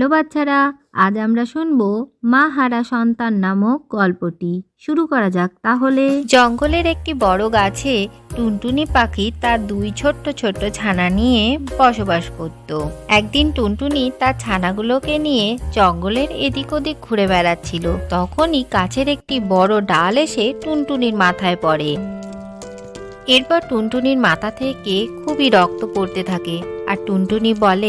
Hello বাচ্চারা, আজ আমরা শুনবো মা হারা সন্তান নামক গল্পটি। শুরু করা যাক তাহলে। জঙ্গলের একটি বড় গাছে টুনটুনি পাখি তার দুই ছোট্ট ছোট্ট ছানা নিয়ে বসবাস করত। একদিন টুনটুনি তার ছানাগুলোকে নিয়ে জঙ্গলের এদিক ওদিক ঘুরে বেড়াচ্ছিল। তখনই গাছের একটি বড় ডাল এসে টুনটুনির মাথায় পড়ে। এরপর টুনটুনির মাথা থেকে খুবই রক্ত পড়তে থাকে আর টুনটুনি বলে,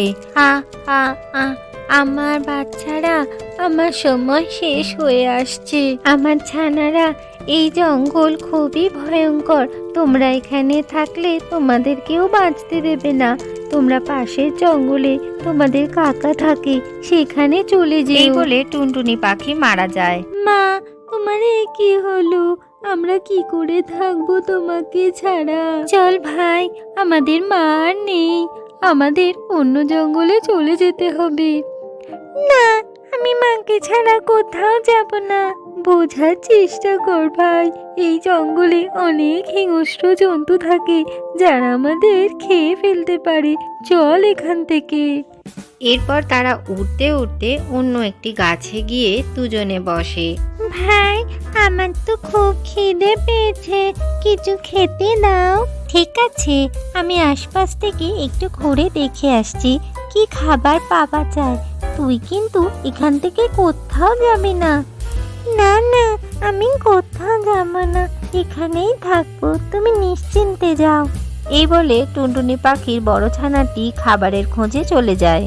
আমার বাচ্চারা, আমার সময় শেষ হয়ে আসছে। আমার ছানারা, এই জঙ্গল খুবই ভয়ঙ্কর। তোমরা এখানে থাকলে তোমাদের কেউ বাঁচতে দেবে না। তোমরা পাশের জঙ্গলে তোমাদের কাকা থাকে, সেখানে চলে যেও। এই বলে টুনটুনি পাখি মারা যায়। মা, তোমার কি হলো? আমরা কি করে থাকবো তোমাকে ছাড়া? চল ভাই, আমাদের মা আর নেই, আমাদের অন্য জঙ্গলে চলে যেতে হবে। না, আমি মাকে ছাড়া কোথাও যাব না। বোঝার চেষ্টা কর ভাই, এই জঙ্গলে অনেক হিংস্র জন্তু থাকে যারা আমাদের খেয়ে ফেলতে পারে। চল এখান থেকে। এরপর তারা উঠতে উঠতে অন্য একটি গাছে গিয়ে দুজনে বসে। ভাই, আমার তো খুব খিদে পেয়েছে, কিছু খেতে দাও। ঠিক আছে, আমি আশপাশ থেকে একটু ঘুরে দেখে আসছি কি খাবার পাওয়া যায়। তুই কিন্তু এখান থেকে কোথাও যাবি না। না না, আমি কোথাও যাব না, এখানেই থাকবো, তুমি নিশ্চিন্তে যাও। এই বলে টুনটুনি পাখির বড় ছানাটি খাবারের খোঁজে চলে যায়।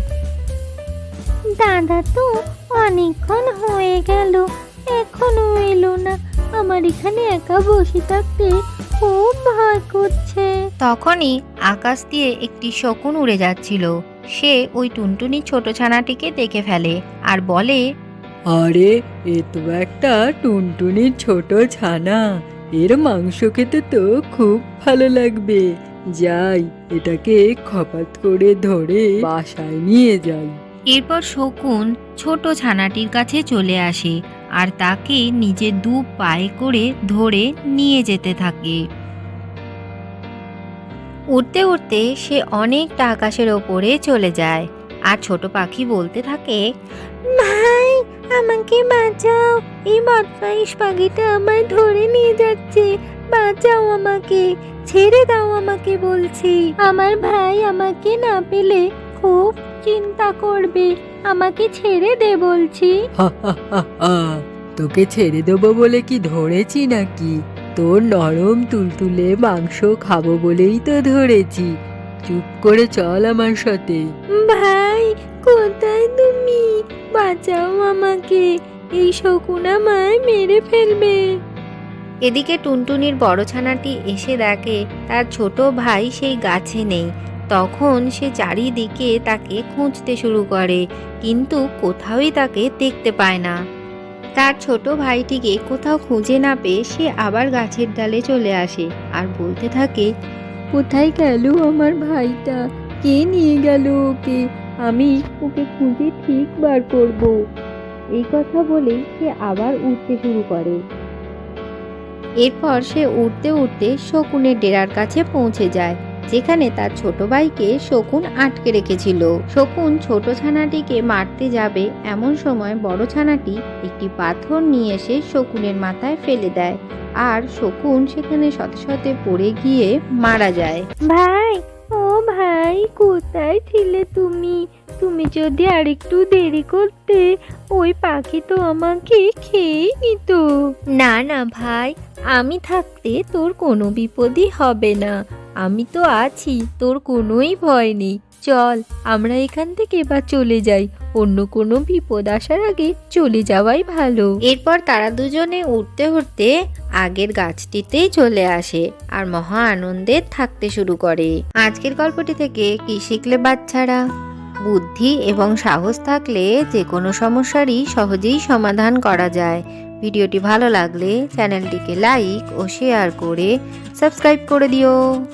দাদা তো অনেকক্ষণ হয়ে গেল, এখনো এলো না। আমার এখানে একা বসে থাকতে খুব ভয় করছে। তখনই আকাশ দিয়ে একটি শকুন উড়ে যাচ্ছিল। সে ওই টুনটুনি ছোট ছানাটিকে দেখে ফেলে আর বলে, আরে, এ তো একটা টুনটুনির ছোট ছানা। এর মাংস খেতে তো খুব ভালো লাগবে। যাই, এটাকে খপাত করে ধরে বাসায় নিয়ে যাই। এরপর শকুন ছোট ছানাটির কাছে চলে আসে আর তাকে নিজের দু পায়ে করে ধরে নিয়ে যেতে থাকে। উঠতে উঠতে সে অনেকটা আকাশের ওপরে চলে যায় আর ছোট পাখি বলতে থাকে, ভাই, আমাকে বাঁচাও, এই বদমাইশ পাখিটা আমায় ধরে নিয়ে যাচ্ছে। বাঁচাও আমাকে, ছেড়ে দাও আমাকে বলছি। আমার ভাই আমাকে না পেলে খুব চিন্তা করবে, আমাকে ছেড়ে দে বলছি। তোকে ছেড়ে দেবো বলে কি ধরেছি নাকি? তোর নরম তুলতুলে মাংস খাবো বলেই তো ধরেছি। চুপ করে চল আমার সাথে। ভাই, কোথায় তুমি? বাঁচাও আমাকে, এই শকুন আমায় মেরে ফেলবে। এদিকে টুনটুনির বড় ছানাটি এসে দেখে তার ছোট ভাই সেই গাছে নেই। তখন সে চারিদিকে তাকে খুঁজতে শুরু করে, কিন্তু কোথাওই তাকে দেখতে পায় না। তার ছোট ভাইটিকে কোথাও খুঁজে না পেয়ে সে আবার গাছের ডালে চলে আসে আর বলতে থাকে, কোথায় গেল আমার ভাইটা? কে নিয়ে গেল ওকে? আমি ওকে খুঁজে ঠিক বার করব। এই কথা বলে সে আবার উঠতে শুরু করে। এরপর সে উঠতে উঠতে শকুনের ডেরার কাছে পৌঁছে যায়, যেখানে তার ছোট ভাইকে শকুন আটকে রেখেছিল। শকুন ছোট ছানাটিকে মারতে যাবে এমন সময় বড় ছানাটি একটি পাথর নিয়ে এসে শকুনের মাথায় ফেলে দেয় আর শকুন সেখানে শতে শতে পড়ে গিয়ে মারা যায়। ভাই, ও ভাই, কোথায় ছিলে তুমি? তুমি যদি আরেকটু দেরি করতে, ওই পাখি তো আমাকে খেয়েই নিত। না না ভাই, আমি থাকতে তোর কোনো বিপদই হবে না। আমি তো আছি, তোর কোনোই ভয় নেই। চল, আমরা এখান থেকে এবার চলে যাই। অন্য কোনো বিপদ আসার আগে চলে যাওয়াই ভালো। এরপর তারা দুজনে উঠতে উঠতে আগের গাছটিতেই চলে আসে আর মহা আনন্দে থাকতে শুরু করে। আজকের গল্পটি থেকে কি শিখলে বাচ্চারা? বুদ্ধি এবং সাহস থাকলে যে কোনো সমস্যারই সহজেই সমাধান করা যায়। ভিডিওটি ভালো লাগলে চ্যানেলটিকে লাইক ও শেয়ার করে সাবস্ক্রাইব করে দিও।